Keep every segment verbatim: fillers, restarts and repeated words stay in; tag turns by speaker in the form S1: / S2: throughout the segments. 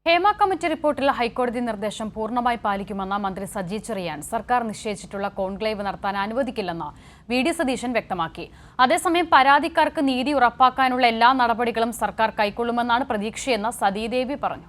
S1: Hema committee റിപ്പോർട്ടിൽ ഹൈക്കോടതി നിർദ്ദേശം പൂർണ്ണമായി പാലിക്കുമെന്ന മന്ത്രി സജി ചെറിയാൻ സർക്കാർ നിശ്ചയിച്ചിട്ടുള്ള കോൺക്ലേവ് നടത്താൻ അനുവദിക്കില്ലെന്ന് വി ഡി സതീശൻ വ്യക്തമാക്കി. അതേസമയം പരാതിക്കാർക്ക് നീതി ഉറപ്പാക്കാനുള്ള എല്ലാ നടപടികളും സർക്കാർ കൈക്കൊള്ളുമെന്നാണ് പ്രതീക്ഷയെന്ന് സതീദേവി പറഞ്ഞു.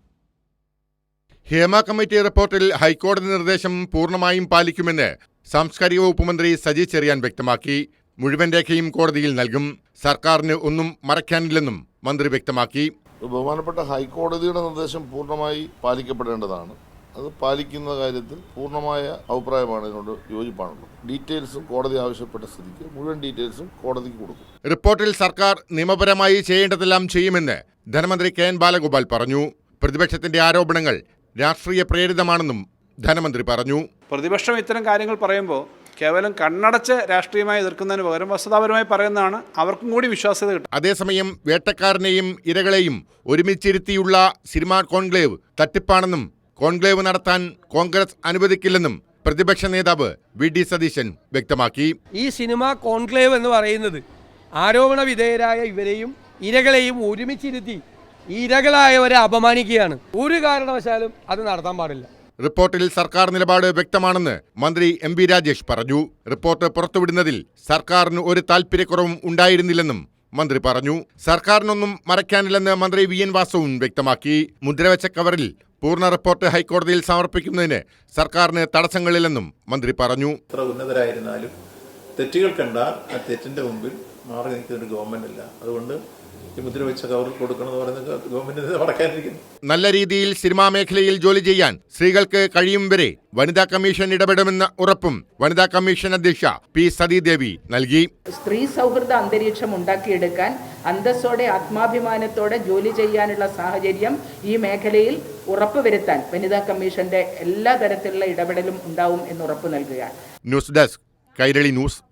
S2: ഹേമ കമ്മിറ്റി റിപ്പോർട്ടിൽ ഹൈക്കോടതി നിർദ്ദേശം പൂർണ്ണമായും പാലിക്കുമെന്ന് സാംസ്കാരിക വകുപ്പ് മന്ത്രി സജി ചെറിയാൻ വ്യക്തമാക്കി. മുഴുവൻ രേഖയും കോടതിയിൽ നൽകും. സർക്കാരിന് ഒന്നും മറയ്ക്കാനില്ലെന്നും മന്ത്രി വ്യക്തമാക്കി.
S3: ബഹുമാനപ്പെട്ട ഹൈക്കോടതിയുടെ നിർദ്ദേശം പൂർണ്ണമായി പാലിക്കപ്പെടേണ്ടതാണ്. അത് പാലിക്കുന്ന കാര്യത്തിൽ പൂർണ്ണമായ അഭിപ്രായമാണ്, ഇതിനോട് യോജിപ്പാണുള്ളത്. ഡീറ്റെയിൽസും കോടതി ആവശ്യപ്പെട്ട സ്ഥിതിക്ക് മുഴുവൻ ഡീറ്റെയിൽസും കോടതിക്ക് കൊടുക്കും.
S2: റിപ്പോർട്ടിൽ സർക്കാർ നിയമപരമായി ചെയ്യേണ്ടതെല്ലാം ചെയ്യുമെന്ന് ധനമന്ത്രി കെ എൻ ബാലഗോപാൽ പറഞ്ഞു. പ്രതിപക്ഷത്തിന്റെ ആരോപണങ്ങൾ രാഷ്ട്രീയ പ്രേരിതമാണെന്നും ധനമന്ത്രി പറഞ്ഞു.
S4: പ്രതിപക്ഷം ഇത്തരം കാര്യങ്ങൾ പറയുമ്പോൾ കേവലം കണ്ണടച്ച് രാഷ്ട്രീയമായി എതിർക്കുന്നതിന് പകരം വസ്തുതാപരമായി പറയുന്നതാണ് അവർക്കും കൂടി വിശ്വാസ്യത കിട്ടും.
S2: അതേസമയം വേട്ടക്കാരനെയും ഇരകളെയും ഒരുമിച്ചിരുത്തിയുള്ള സിനിമാ കോൺക്ലേവ് തട്ടിപ്പാണെന്നും കോൺക്ലേവ് നടത്താൻ കോൺഗ്രസ് അനുവദിക്കില്ലെന്നും പ്രതിപക്ഷ നേതാവ് വി ഡി സതീശൻ വ്യക്തമാക്കി.
S5: ഈ സിനിമാ കോൺക്ലേവ് എന്ന് പറയുന്നത് ആരോപണ വിധേയരായ ഇവരെയും ഇരകളെയും ഒരുമിച്ചിരുത്തി ഇരകളായവരെ അപമാനിക്കുകയാണ്. ഒരു കാരണവശാലും അത് നടത്താൻ പാടില്ല.
S2: റിപ്പോർട്ടിൽ സർക്കാർ നിലപാട് വ്യക്തമാണെന്ന് മന്ത്രി എം വി രാജേഷ് പറഞ്ഞു. റിപ്പോർട്ട് പുറത്തുവിടുന്നതിൽ സർക്കാരിന് ഒരു താൽപര്യക്കുറവും ഉണ്ടായിരുന്നില്ലെന്നും മന്ത്രി പറഞ്ഞു. സർക്കാരിനൊന്നും മറയ്ക്കാനില്ലെന്ന് മന്ത്രി വി എൻ വാസവും വ്യക്തമാക്കി. മുദ്രവെച്ച കവറിൽ പൂർണ്ണ റിപ്പോർട്ട് ഹൈക്കോടതിയിൽ സമർപ്പിക്കുന്നതിന് സർക്കാരിന് തടസ്സങ്ങളില്ലെന്നും മന്ത്രി പറഞ്ഞു.
S6: എത്ര ഉന്നതരായിരുന്നാലും തെറ്റുകൾ കണ്ടാൽ ആ തെറ്റിന്റെ മുമ്പിൽ മാറി നിൽക്കുന്ന ഒരു ഗവൺമെന്റ് അല്ല. അതുകൊണ്ട് ഈ മുദ്രവെച്ച കവറിൽ കൊടുക്കണമെന്ന് പറയുന്നത് ഗവൺമെന്റിന് മറക്കാനിരിക്കുന്നു.
S2: നല്ല രീതിയിൽ സിനിമാ മേഖലയിൽ ജോലി ചെയ്യാൻ സ്ത്രീകൾക്ക് കഴിയും വരെ വനിതാ കമ്മീഷൻ ഇടപെടുമെന്ന ഉറപ്പും വനിതാ കമ്മീഷൻ അധ്യക്ഷ പി സതീദേവി നൽകി.
S7: സ്ത്രീ സൗഹൃദ അന്തരീക്ഷം ഉണ്ടാക്കിയെടുക്കാൻ അന്തസ്സോടെ ആത്മാഭിമാനത്തോടെ ജോലി ചെയ്യാനുള്ള സാഹചര്യം ഈ മേഖലയിൽ ഉറപ്പുവരുത്താൻ വനിതാ കമ്മീഷന്റെ എല്ലാ തരത്തിലുള്ള ഇടപെടലും ഉണ്ടാവും എന്ന് ഉറപ്പു നൽകുകയാണ്.
S2: News desk Kairali news.